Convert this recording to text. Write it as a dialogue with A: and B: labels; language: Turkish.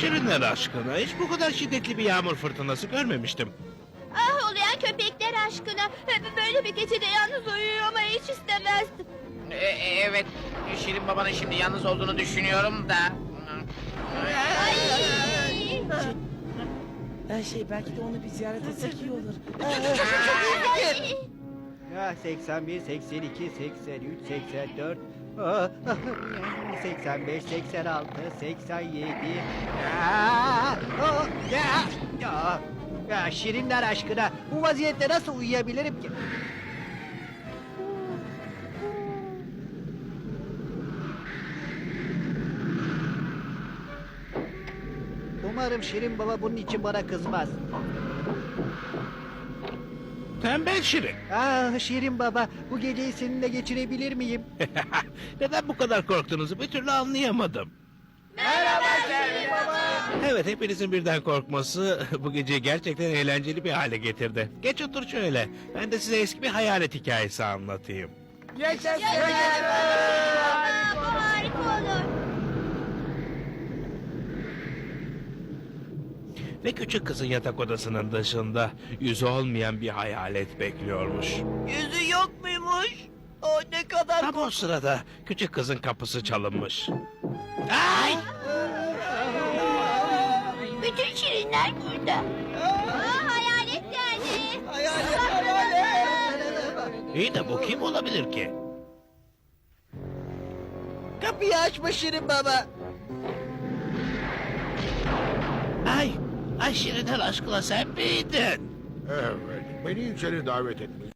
A: Şirinler aşkına hiç bu kadar şiddetli bir yağmur fırtınası görmemiştim.
B: Ah ulayan köpekler aşkına. Böyle bir gecede yalnız uyumayı hiç istemezdim.
C: Evet, Şirin babanın şimdi yalnız olduğunu düşünüyorum da.
B: Ay.
D: Belki de onu bir ziyaret etsek iyi olur.
B: Ay.
E: Ah, 81, 82, 83, 84, 85, 86, 87. Ya Şirinler aşkına bu vaziyette nasıl uyuyabilirim ki? Umarım Şirin baba bunun için bana kızmaz.
A: Tembel Şirin.
E: Ah Şirin baba, bu geceyi seninle geçirebilir miyim?
A: Neden bu kadar korktuğunuzu bir türlü anlayamadım.
B: Merhaba Şirin baba.
A: Evet, hepinizin birden korkması bu geceyi gerçekten eğlenceli bir hale getirdi. Geç otur şöyle. Ben de size eski bir hayalet hikayesi anlatayım.
D: Yaşasın.
B: Aa, bu harika olur.
A: Ve küçük kızın yatak odasının dışında yüzü olmayan bir hayalet bekliyormuş.
D: Yüzü yok muymuş? O ne kadar...
A: Tam o sırada küçük kızın kapısı çalınmış. Ay!
B: Bütün şirinler burada. Aa, hayalet geldi.
A: İyi de bu kim olabilir ki?
D: Kapıyı açma Şirin baba.
A: Ay! Ay Şirinler aşkına sen miydin?
F: Evet, beni içeri davet etmiş.